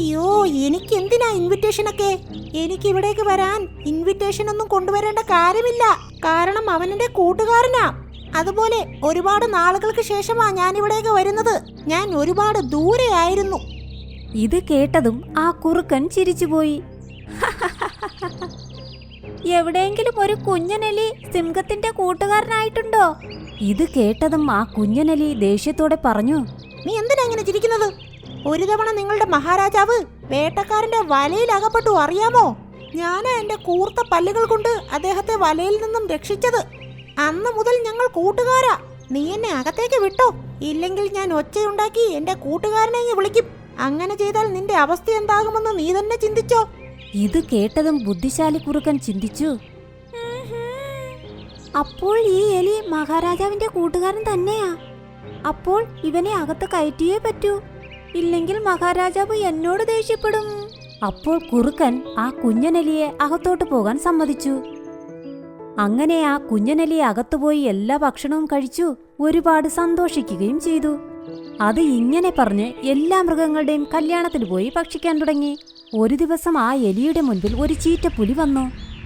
അയ്യോ, എനിക്ക് എന്തിനാ ഇൻവിറ്റേഷനൊക്കെ? എനിക്ക് ഇവിടേക്ക് വരാൻ ഇൻവിറ്റേഷൻ ഒന്നും കൊണ്ടുവരേണ്ട കാര്യമില്ല. കാരണം അവൻ എന്റെ കൂട്ടുകാരനാ. അതുപോലെ ഒരുപാട് നാളുകൾക്ക് ശേഷമാ ഞാൻ ഇവിടേക്ക് വരുന്നത്. ഞാൻ ഒരുപാട് ദൂരെയായിരുന്നു. ഇത് കേട്ടതും ആ കുറുക്കൻ ചിരിച്ചുപോയി. എവിടെയെങ്കിലും ഒരു കുഞ്ഞനെലി സിംഹത്തിന്റെ കൂട്ടുകാരനായിട്ടുണ്ടോ? ഇത് കേട്ടതും ആ കുഞ്ഞനെലി ദേഷ്യത്തോടെ പറഞ്ഞു. നീ എന്തിനാ ഇങ്ങനെ ചിരിക്കുന്നത്? ഒരു തവണ നിങ്ങളുടെ മഹാരാജാവ് വേട്ടക്കാരന്റെ വലയിൽ അകപ്പെട്ടു, അറിയാമോ? ഞാനാ എന്റെ കൂർത്ത പല്ലുകൾ കൊണ്ട് അദ്ദേഹത്തെ വലയിൽ നിന്നും രക്ഷിച്ചത്. അന്ന് മുതൽ ഞങ്ങൾ കൂട്ടുകാരാ. നീ എന്നെ അകത്തേക്ക് വിട്ടോ, ഇല്ലെങ്കിൽ ഞാൻ ഒച്ചയുണ്ടാക്കി എന്റെ കൂട്ടുകാരനെ വിളിക്കും. അങ്ങനെ ചെയ്താൽ നിന്റെ അവസ്ഥ എന്താകുമെന്ന് നീ തന്നെ ചിന്തിച്ചോ. ഇത് കേട്ടതും ബുദ്ധിശാലി കുറുക്കൻ ചിന്തിച്ചു. അപ്പോൾ ഈ എലി മഹാരാജാവിന്റെ കൂട്ടുകാരൻ തന്നെയാ. അപ്പോൾ ഇവനെ അകത്ത് കയറ്റിയേ പറ്റൂ, ഇല്ലെങ്കിൽ മഹാരാജാവ് എന്നോട് ദേഷ്യപ്പെടും. അപ്പോൾ കുറുക്കൻ ആ കുഞ്ഞനെലിയെ അകത്തോട്ട് പോകാൻ സമ്മതിച്ചു. അങ്ങനെ ആ കുഞ്ഞനെലി അകത്തുപോയി എല്ലാ ഭക്ഷണവും കഴിച്ചു ഒരുപാട് സന്തോഷിക്കുകയും ചെയ്തു. അത് ഇങ്ങനെ പറഞ്ഞ് എല്ലാ മൃഗങ്ങളുടെയും കല്യാണത്തിന് പോയി ഭക്ഷിക്കാൻ തുടങ്ങി. ഒരു ദിവസം ആ എലിയുടെ മുൻപിൽ ഒരു ചീറ്റപ്പുലി വന്നു.